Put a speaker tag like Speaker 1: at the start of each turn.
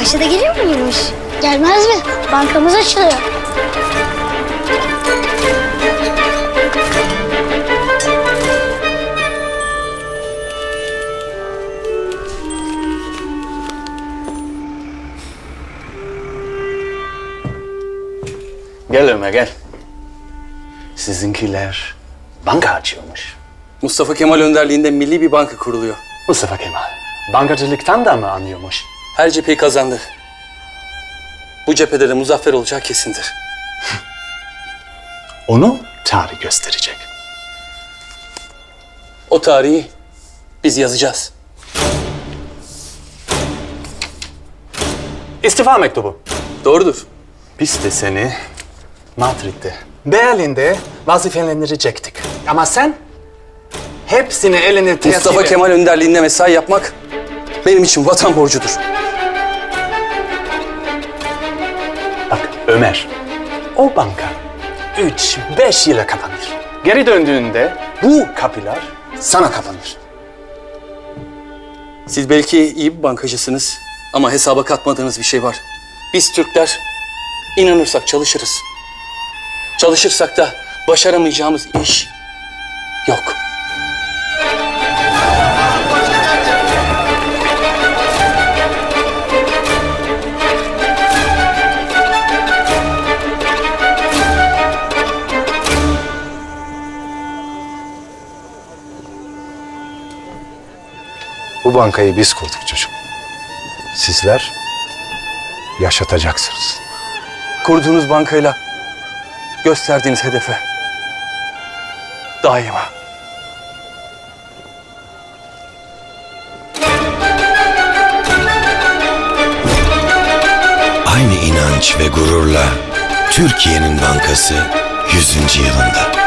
Speaker 1: Ayşe de geliyor muymuş? Gelmez mi? Bankamız açılıyor.
Speaker 2: Gel Ömer gel. Sizinkiler banka açıyormuş.
Speaker 3: Mustafa Kemal önderliğinde milli bir banka kuruluyor.
Speaker 2: Mustafa Kemal bankacılıktan da mı anlıyormuş?
Speaker 3: Her cepheyi kazandı. Bu cephede de muzaffer olacağı kesindir.
Speaker 2: Onu tarih gösterecek.
Speaker 3: O tarihi biz yazacağız.
Speaker 2: İstifa mektubu.
Speaker 3: Doğrudur.
Speaker 2: Biz de seni Madrid'de, Berlin'de vazifelendirecektik. Ama sen hepsini eline tertip
Speaker 3: Mustafa
Speaker 2: et.
Speaker 3: Kemal önderliğinde mesai yapmak benim için vatan borcudur.
Speaker 2: Bak Ömer, o banka 3-5 yıla kapanır. Geri döndüğünde bu kapılar sana kapanır.
Speaker 3: Siz belki iyi bir bankacısınız ama hesaba katmadığınız bir şey var. Biz Türkler inanırsak çalışırız. Çalışırsak da başaramayacağımız iş yok.
Speaker 4: Bu bankayı biz kurduk çocuk. Sizler yaşatacaksınız.
Speaker 3: Kurduğunuz bankayla gösterdiğiniz hedefe daima.
Speaker 5: Aynı inanç ve gururla Türkiye'nin bankası 100. yılında.